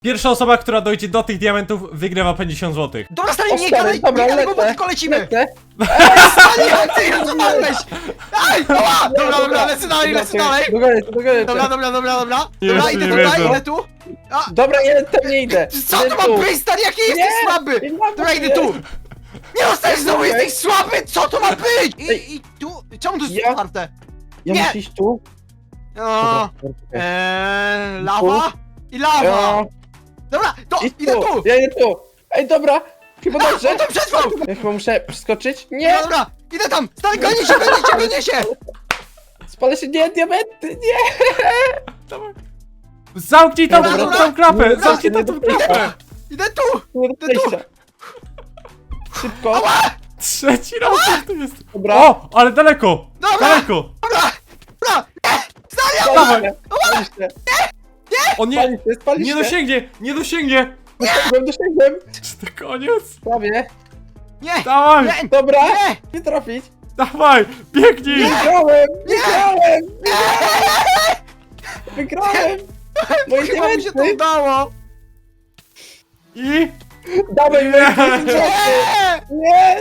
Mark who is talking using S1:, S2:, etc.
S1: Pierwsza osoba, która dojdzie do tych diamentów, wygrywa 50 zł.
S2: Dobra, stary,
S3: O,
S2: nie
S3: stary,
S2: gadaj,
S3: dobra,
S2: nie gadaj, bo
S3: lecę.
S2: tylko lecimy!
S3: Lecę.
S2: Stary, ty co walnąłeś? Ej, dobra, lecę dalej, lecę dalej!
S3: Dogadaj.
S2: Dobra,
S1: Jeszcze
S2: idę
S1: nie
S2: tutaj,
S1: wierzę.
S2: idę tu! A,
S3: Dobra, ja tam nie idę.
S2: co
S3: Idę
S2: to
S3: tu.
S2: ma być, stary, jaki jesteś
S3: Nie,
S2: słaby!
S3: nie mam
S2: Dobra, idę
S3: nie.
S2: tu! Nie dostajesz znowu,
S3: Okej.
S2: jesteś słaby! Co to ma być?
S3: Ej.
S2: I tu, czemu to jest
S3: Ja-
S2: otwarte?
S3: Ja
S2: Nie.
S3: muszę iść tu.
S2: O,
S3: Dobra,
S2: lawa i lawa!
S3: Ja-
S2: Dobra, to
S3: Idź
S2: idę tu!
S3: Ja idę tu. Ej, dobra. Chyba dobrze.
S2: On tam przetrwał!
S3: Ja chyba muszę przeskoczyć. Nie!
S2: Dobra, idę tam! Stary, gonię się!
S3: Spalę się, nie, diamenty, nie!
S1: Zamknij tą,
S3: Dobra,
S1: tą klapę!
S3: dobra,
S1: Zamknij
S3: nie
S1: tą
S3: do
S1: klapę!
S2: Idę tu!
S3: Nie do przejścia. Szybko.
S1: Trzeci raz jak to jest.
S3: Dobra.
S1: O, ale daleko!
S2: Dobra.
S1: Daleko!
S2: Dobra!
S1: Dawaj!
S3: Spali się.
S1: On nie,
S3: Spali
S1: nie
S3: się.
S1: dosięgnie! Nie dosięgnie!
S3: Dosięgłem.
S1: Czy to koniec?
S3: Prawie.
S2: Nie!
S1: Dawaj!
S2: Nie!
S3: Dobra.
S2: Nie!
S3: Nie trafić.
S1: Dawaj! Biegnij!
S3: Wygrałem! Wygrałem! Wygrałem! Moje
S2: Chyba mi się to
S3: diamenty!
S2: udało!
S1: I...
S3: Dawaj moje
S1: Nie.
S3: diamenty!
S2: Nie!
S3: Nie!